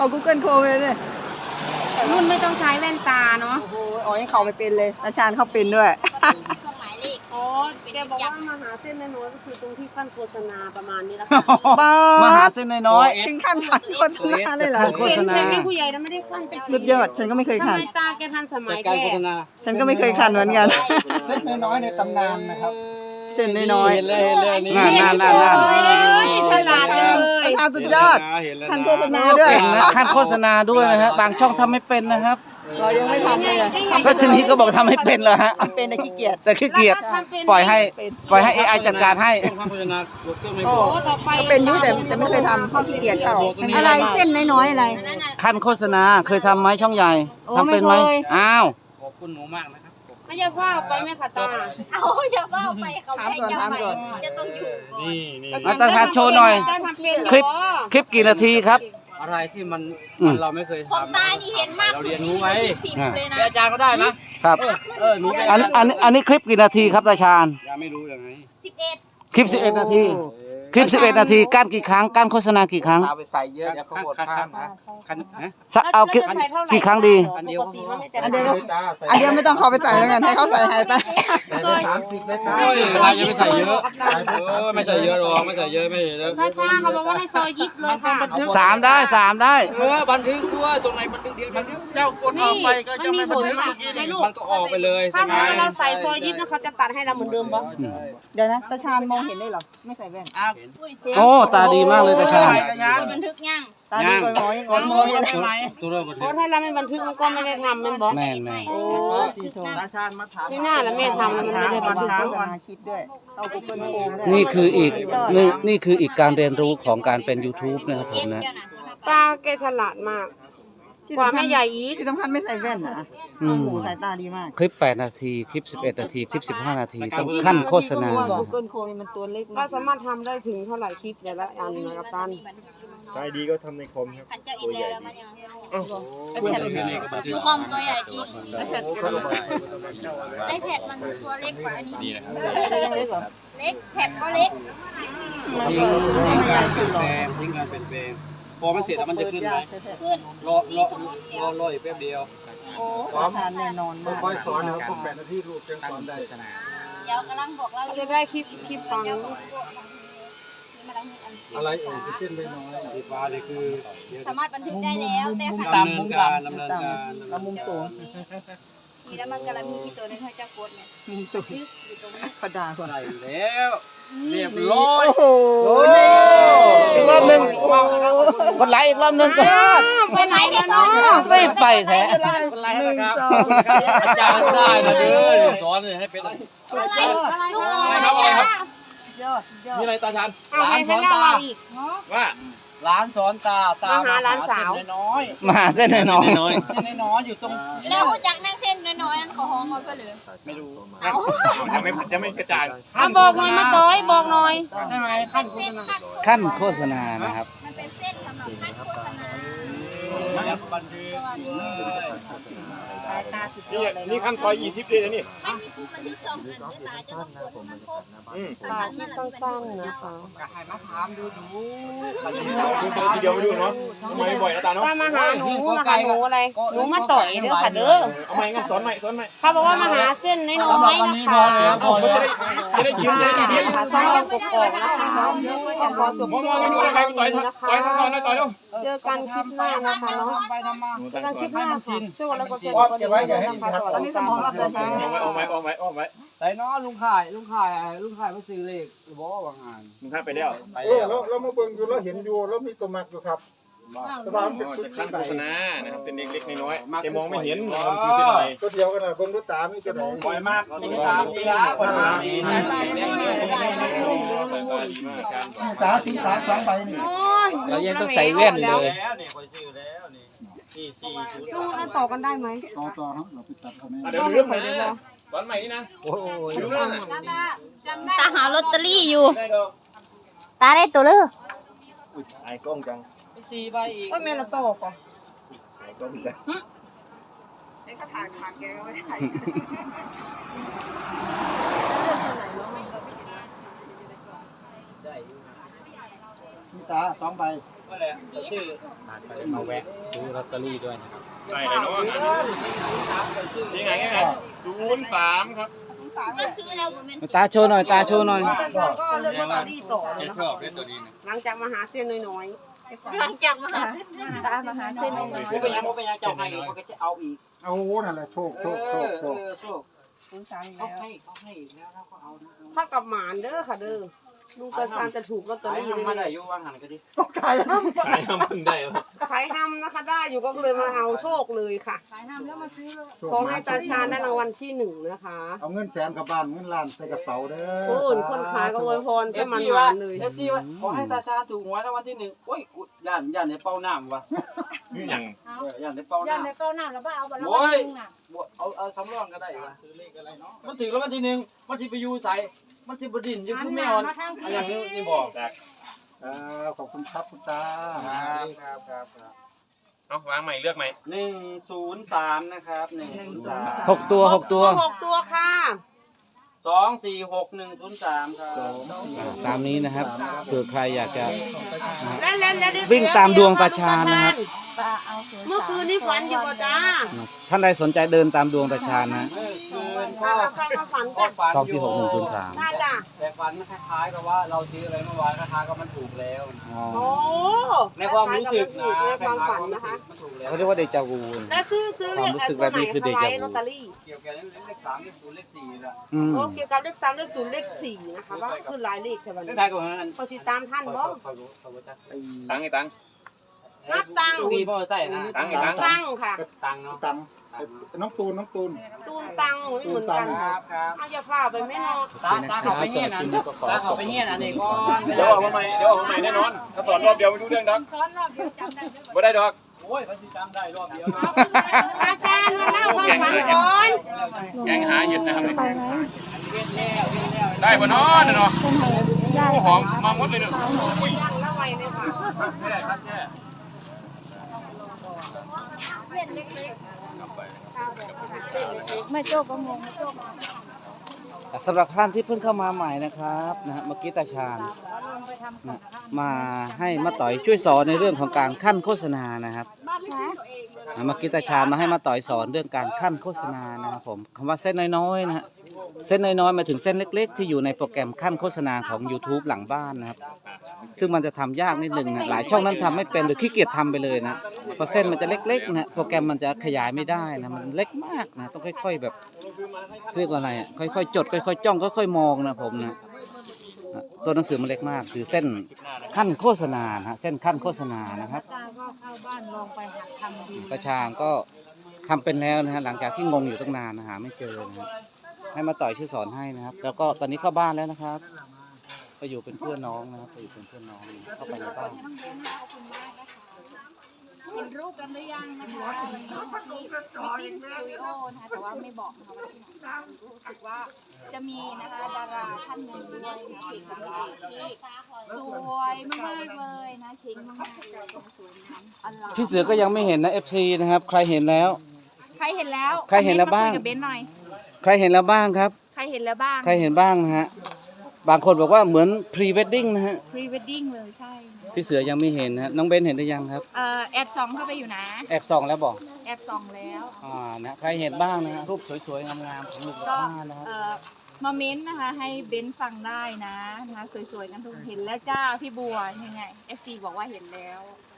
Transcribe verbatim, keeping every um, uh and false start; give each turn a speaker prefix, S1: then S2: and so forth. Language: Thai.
S1: เอา Google Chrome ไปเลย
S2: รุ่นไม่ต้องใช้แว่นตาเนาะ
S1: โอ้โหอ๋อยังเขาไม่เป็นเลยอาจารย์เขาเป็นด้วย
S3: เครื่องหมายเลข
S2: อ๋อแกบอกว่ามาหาเส้นน้อยๆก็คือตรงที่ขั้นโฆษณาประมาณนี้แล้วค่ะ
S1: มาหา
S4: เส้นน้อย
S1: ถึงขั้นขันโฆษณาเลยเหรอ
S2: โฆษณาแม่ผู้ใหญ่นะไม่ได้ขั้นเป็น
S1: สุดยอดฉันก็ไม่เคยขัน
S2: ทำไมตาแกทันสมัยแก
S1: ฉันก็ไม่เคยขันเหมือนกัน
S4: เส้นน้อยๆในตำนานนะครับ
S1: เส้นน้อยๆ
S4: เลยเลยนี่
S2: น่าน่าน่าฉลาดจังเลย
S1: ทำสุดยอดขั้นโฆษณาด้วย
S4: ขั้นโฆษณาด้วยนะฮะบางช่องทำไม่เป็นนะครับ
S1: เรายังไม่ทำเลย
S4: ก็ชนิดก็บอกทำให้เป็นแล้วฮะ
S1: เป็นแต่ขี้เกียจ
S4: แต่ขี้เกียจปล่อยให้ปล่อยให้ เอ ไอ จัดการให้
S1: โอ้ก็เป็นยุ่แต่แต่ไม่เคยทำเพราะขี้เกียจเขา
S2: อะไรเส้นน้อยๆอะไร
S4: ขั้นโฆษณาเคยทำไหมช่องใหญ่ทำเป็นไหมอ้าว
S2: ขอบคุณหนูมากนะครับไม่จะว่าไปไหมคะตา
S3: เอาจะว่าไปเขาไม่จะไปจะต้องอยู่ก่อนนี่
S4: นี่ตาทานโชว์หน่อยคลิปคลิปกี่นาทีครับ
S5: อะไรที่มันเราไม่เคยทำ
S3: ผมตานี่เห็นมาก
S5: เราเรียนรู้ไว้
S3: เลยนะ
S5: อาจารย์ก็ได้นะครับเออหนู
S4: อันอันอันนี้คลิปกี่นาทีครับตาชาญ
S5: ยังไม่รู้ยังไง
S3: สิบเอ็ด
S4: คลิปสิบเอ็ดนาทีคลิปสิบเอ็ดนาทีการกี่ครั้งการโฆษณากี่ครั้ง
S5: เอาไปใส่เยอะเดี๋ยวเขาหมดภาพนะคันนะ
S4: เอากี่ครั้งดี
S5: อันเดียว
S1: อันเดียวอันเดียวไม่ต้องเขาไปใส่แล้วกันให้เขาใส่ให้ไป
S4: สามสิบไม่ได้
S5: ใครจะไม่ใส่เยอะไม่ใส่เยอะหรอกไม่ใส่เยอะไม่เยอะ
S2: ถ้าช้าเขาบอกว่าให้ซอยยิบเลยค่ะ
S4: สามได้สามได้
S5: เออบันทึกด้วยตรงไหนบันทึกเดียวมันเจ้ากดออกไปก็จะไม่บันทึกมันก็ออกไปเลยใช่ไหม
S2: ถ้าเราใส่ซอยยิบนะเขาจะตัดให้เราเหมือนเดิมปะ
S1: เดี๋ยวนะตาชาญมองเห็นได้หรอไม่ใส่แว่น
S4: โอ้ตาดีมากเลยตาชาญ
S3: บันทึกยัง
S1: ตาดีกว่าหมอยังอ่อนมองยังไง
S2: เพราะถ้าเราไม่บันทึกมันก็ไม่ได้ทำมันบอก
S4: แม่แม่
S1: โอ้ตีโถ
S5: ตาชาญมาถาม
S2: ที่หน้าแล้วแม่ทำแล้วมันไม่ได้บันทึกโฆษณา
S1: คิดด้วยเอากูเกิลโคมได้
S4: นี่คืออีกนี่นี่คืออีกการเรียนรู้ของการเป็น ยูทูบ นะครับผมนะ
S2: ตาแกฉลาดมากกว่าแม่ใหญ่อีก
S1: ที่สำคัญไม่ใส่แว่นนะโอ้โหสายตาดีมาก
S4: คลิปแปดนาทีคลิปสิบเอ็ดนาทีคลิปสิบห้านาทีต้องขั้นโฆษณา
S1: กูเกิลโคมมันตัวเล็ก
S2: เราสามารถทำได้ถึงเท่าไหร่คลิปแต่ละอันนะครับตัน
S5: ใช่ดีก็ทำในคอมครับ
S3: ตัวใหญ่ดูคอมตัวใหญ่จริงไอแพดมันตัวเล็กกว่าอันนี้
S1: เล็กกว่า
S3: เล็กแพดก็เล็ก
S1: มันก็ไม่ใหญ่สุดหรอก
S5: ทิ้งงานเป็นเพลงพอมันเสร็จแล้วมันจะขึ้นไหม
S3: ขึ้น
S5: รอรอรอรออีกแป๊บเดียว
S1: โอ้ทานแน่นอนมาก
S5: ค่อยสอนนะครับพวกแปดนาทีรูปจังสอนได้
S3: เดี๋ยวกำลังบอกเรา
S2: จะได้คลิปคลิปฟัง
S5: อะไรเอ่ยเส้นได้น้อยสีฟ้านี่คือ
S3: สามารถบันทึกได้แล้วแต่
S5: ตามมุมการดำเนินการ
S1: แล้วมุมสูง
S3: นี่แล้วมันกำลังมีกี่ตัวในห้อยจักรกดเนี่ย
S1: มุมสูงกระดาษคน
S5: ไหนแล้วเรียบร้อย
S1: โอ้โห
S4: อีกรอบหนึ่งคนไหลอีกรอบหนึ่งก็
S3: ไปไหนเนี่ยน้อง
S4: ไม่ไปแท้
S1: หนึ่งสอง
S5: อาจารย์ได้นะเด้อสอนให้เป็นอะไรอะไรครับอะไรครับนี่อะไรตาชันร้านสอนตาว่าร้านสอนตาตา
S2: มาร้านสาว
S5: น้อย
S4: มาเส้นน้อย
S5: น้อยเส้นน้อยอยู่ตรง
S3: แล้วจากนั่งเส้นน้อยๆนั่นขอห้องมาเพื่อหรือ
S5: ไม่รู้จะไม่จะไม่กระจาย
S2: บอกหน่อยมาต้อยบอกหน่อย
S5: ใช่ไหมขั้นโฆษณา
S4: ขั้นโฆษณานะครับ
S3: มันเป็นเส้นสำหรับขั้นโฆษณา
S5: บันทึกนี่นี่ขั้นซอยยี่สิบเลยนะนี่
S3: มันมีมันมีสองอันด้วยตาจะต้องกดมันครบ
S2: ตาที่สั้นๆนะคะ
S5: ก็ให้มาถามดูดูทีเดียวไปดูเนาะไม่บ่อยนะตาเนาะ
S2: ตามาหาหนูมาหาหนูอะไรหนูมาต่อยเด้อค่ะเด้อ
S5: เอาใหม่งั้นสอนใหม่สอนใหม่
S2: เขาบอกว่ามาหาเส้นน้อยๆนะคะ
S5: จะได้ยิ้มจะได้ยิ้ม
S2: ค่ะใช่กบกนะคะขอจบที่นี้นะคะเจอกันคลิปหน้านะคะเนาะเจอกันคลิปหน้าค่ะช่วยแล้วก็เจอกันเดี๋ยวนะคะสวัสดีค่ะ
S5: เอาไว้เอาไว้เอาไว้ใส่น้อลุงข่ายลุงข่ายลุงข่ายมาซื้อเลขบอกว่างานลุงข่ายไปแล้วไปแล้วเรามาเบิ่งอยู่เราเห็นอยู่เรามีตัวมักอยู่ครับสบายจะขั้นโฆษณานะครับเป็นเล็กๆน้อยๆแต่มองไม่เห็นมันคือที่ไหนก็เดียวกันนะเบิ่งด้วยตาไม่กระดองบ่อยมากด้วยตาดีนะคนตาดีนะตาสีตาสองใบนี่
S4: เรายังต้องใส่แว่นเลย
S5: นี่คอยซื้อแล้วนี่นี่สี่ชุด
S2: ต้องต่อกันได้ไหม
S5: ต่อต่อครับเราไปตัดเขาแม่เดี๋ยวเรื่องใหม่เลยนะตอนใหม่นี่นะโอ้ย
S3: ตาหาลอตเตอรี่อยู่ตาได้ตัวเลย
S5: ไอ้กล้องจังสี่ใบอีก
S2: ว่าแม่ละโตก่อน
S5: ไอ้กล้องจัง
S1: ไอ้ข้าถางขาแกไม่ได้ถ่าย
S5: นี่ตาสองใบ
S6: ก็เลยซื้อมาแวะซื้อลอตเตอรี่ด้วยนะครับ
S5: ใช่เลยเนาะนี่ไงนี่ไงศูนย์สามครับ
S3: มันซื้อแล้วบ่แม่น
S4: ตาโชว์หน่อยตาโชว์หน่อย
S2: ตาชาญก็เลือกลอตเตอรี่ต่อ
S6: จะ
S2: นะ
S6: ชอบเล่นตัวนี้นะ
S2: หลังจากมาหาเส้นน้อย
S3: หลังจากมาหา
S1: ตามมาหาเส้นน้อย
S6: ไม่เป็นยังไม่เป็นยังเจ้าให้มันก็จะเอาอีก
S5: เอานั่นแหละโชคโชคโชคโชค
S6: โชค
S1: ศูนย์สามอีก
S6: เขา
S1: แล้ว
S6: ให้เขาให้แล้วเราก็เอานะ
S2: ๆถ้ากับหมานเด้อค่ะเด้อลุงตาชาญจะถูกลอตเตอ
S6: ขาย
S2: รี่
S6: ทำมาได้ยุ่งว่างหันก็ดิ
S5: ขายน้ำ
S6: ขายทำพึ่งได้
S2: ขายทำนะคะได้อยู่ก็เลยมาเอาโชคเลยค่ะขายทำแล้วมาซื้อขอให้ตาชาญได้รางวัลที่หนึ่งนะคะ
S5: เอาเงินแสนกับบ้านเงินล้านใส่กระเป๋าเด้อ
S2: ผู้อื่นคนขายก็อวยพร
S6: เอ
S2: ใช่
S6: ฟ
S2: มัน
S6: ซี
S2: ห
S6: ว่าว
S2: านเลย
S6: เอฟซีว่าขอให้ตาชาถูกหวยรางวัลที่หนึ่งโอ้ยกูย่านย่านในเป้าน้ำวะ
S5: นี่ยัง
S6: ย่านในเป้า
S7: ย่านใน
S6: น้ำ
S7: เป้าหน้าแล้วบ้าเอาไปแล้ว
S6: โอ้ย
S7: นึงน่ะ
S6: เอาเอาสำรองก็ได้วะมันถึงรางวัลที่หนึ่งมันสิไปอยู่ใส่มันสิบดินอยู่คือแมวอันอย่างนี้นี่บอก
S5: ขอบคุณครับคุณตา
S6: ครับครับครับ
S5: เอาวางใหม่เลือกใหม่
S6: หนึ่งศูนย์สามนะครับหนึ่งศูนย์สาม
S4: หกตัวหกตัว
S2: หกตัวค่ะ
S6: สองสี่หกหนึ่งศูนย์สามครับ
S4: ตามนี้นะครับเผื่อใครอยากจะ
S2: และและและได้
S4: วิ่งตามดวงตาชาญนะครับ
S1: ตาเอาศูนย์
S2: เมื่อคืนนี้ฝันอยู่ป่ะจ้า
S4: ท่านใดสนใจเดินตามดวงตาชาญนะ
S6: เมื่อคืน
S2: ถ้า
S6: ก็
S2: เราฟังมาฝัน
S6: ก็
S2: จ้ะ
S6: ฝัน
S4: สอง
S6: อ
S4: ที่
S6: ยู่
S4: หกหนึ่งศูนย์สาม
S2: น่าจ้ะ
S6: แต่ฝันคล้ายๆกับว่าเราซื้ออะไรเมื่อวานคล้ายๆกับมันถูกแล้ว
S4: อ๋อ
S2: โอ้
S6: ในความรู้สึกนะ
S2: ในความฝันนะคะ
S6: มันถูกแล้ว
S4: เขาเรียกว่าเดจาวู
S2: และซื้อซื้อเลข
S4: ความรู้สึก
S2: ตัวไหน
S4: แบบนี้คือ
S2: คะ
S4: เดจา
S2: ไว้
S4: วู
S2: ลอตเตอรี่
S6: เกี่ยวกับเลขสามเลขศูนย์เลขสี่ละ
S4: อืม
S2: โอ้เกี่ยวกับเลขสามเลขศูนย์เลขสี่นะคะว่าคือหลายเลขแต่วัน
S6: เล
S2: นี้
S6: ขท้ายกับนั้น
S2: พอสิตามท่านบ่
S5: ตังไอ้ตัง
S2: นับตังค์
S6: ตีพ่อใส่นะ
S5: ตังไอ้ตัง
S2: ตังค์ค่ะ
S6: ตังเนาะ
S5: ตังน้องตูนน้องตูน
S2: ตูนตังค์ไม่เหมือนกัน
S6: ครับครับ
S2: เอาอย่าพาไปไม่นอน
S6: ตาตาเขาไปเฮียนอันตาเขาไปเฮียนอันนี้ก่อน
S5: เดี๋ยวออกมาใหม่เดี๋ยวออกมาใหม่แน่นอนถ้าสอนรอบเดียวไม่รู้เรื่องดอก
S7: ซ้อนรอบเดียวจำได้ด้วย
S5: ไม่ได้ดอก
S6: โอ้ยพันธิจำได้รอบเดียว
S2: ตาชาญมาเล่าความฝันก่อน
S5: แกงหาเห็ดนะครับได้ปะเนาะเนาะหอมมาหมดเลยเนาะ
S2: ย่างละไวเลยค่ะ
S5: ไม่ได้ครับแค่
S1: ไม่โจ้ก็งงไม่โจ้
S4: สำหรับท่านที่เพิ่งเข้ามาใหม่นะครับนะฮะเมื่อกี้ตาชาญนะมาให้มาต่อยช่วยสอนในเรื่องของการขั้นโฆษณานะครับนะเมื่อกี้ตาชาญมาให้มาต่อยสอนเรื่องการขั้นโฆษณานะครับผมคำว่าเส้นน้อยๆนะฮะเส้นน้อยๆหมายถึงเส้นเล็กๆ ที่อยู่ในโปรแกรมขั้นโฆษณาของ YouTube หลังบ้านนะครับซึ่งมันจะทำยากนิดนึงนะหลายช่องนั้นทำไม่เป็นหรือขี้เกียจทำไปเลยนะเพราะเส้นมันจะเล็กๆนะโปรแกรมมันจะขยายไม่ได้นะมันเล็กมากนะต้องค่อยๆแบบเรียกว่าอะไรอ่ะค่อยๆจดค่อยๆจ้องค่อยๆมองนะผมนะตัวหนังสือมันเล็กมากคือเส้นขั้นโฆษณานะฮะเส้นขั้นโฆษณานะครับ
S7: ตาก็เข้าบ้านลองไปหัดทำดู
S4: ประชางก็ทำเป็นแล้วนะฮะหลังจากที่งงอยู่ตั้งนานนะหาไม่เจอนะครับให้มาต่อยชื่อสอนให้นะครับ แล้วก็ตอนนี้เข้าบ้านแล้วนะครับก็อยู่เป็นเพื่อนน้องนะครับไปอยู่เป็นเพื่อนน้องเข้าไปในบ้าน
S3: เห็นรูปกันหรือยังนะคะมิติ้งสตูดิโอนะคะแต่ว่าไม่บอกนะคะว่าที่ไหนรู้สึกว่าจะมีนะคะดาราท่านหนึ่งด้วยนะเอกกับนางเอกที่สวยมากๆเลยนะเชิงมากๆเลยสวยงามอลัง
S4: พี่เสือก็ยังไม่เห็นนะ เอฟ ซี นะครับใครเห็นแล้ว
S3: ใครเห็นแล้ว
S4: ใครเห็นแล้วบ้าง
S3: คอมเมนต์มคุยกับเบนหน่อย
S4: ใครเห็นแล้วบ้างครับ
S3: ใครเห็นแล้วบ้าง
S4: ใครเห็นบ้างนะฮะบางคนบอกว่าเหมือนพรีเวดดิ้งนะฮะ
S3: พรีเวดดิ้งเลยใช่
S4: พี่เสือยังไม่เห็นนะฮะน้องเบนเห็นหรือยังครับ
S3: เอ่อแอบส่องเข้าไปอยู่นะ
S4: แอบส่องแล้วบอก
S3: แอบส่องแล้ว
S4: อ่านะใครเห็นบ้างนะฮะรูปสวยๆงามๆของลุงกับ
S3: ก็
S4: ป้านะครับ
S3: เอ่อมาเม้นต์นะคะให้เบนฟังได้นะนะคะสวยๆกันทุกเห็นแล้วจ้าพี่บัวยังไงเอฟซีบอกว่าเห็นแล้ว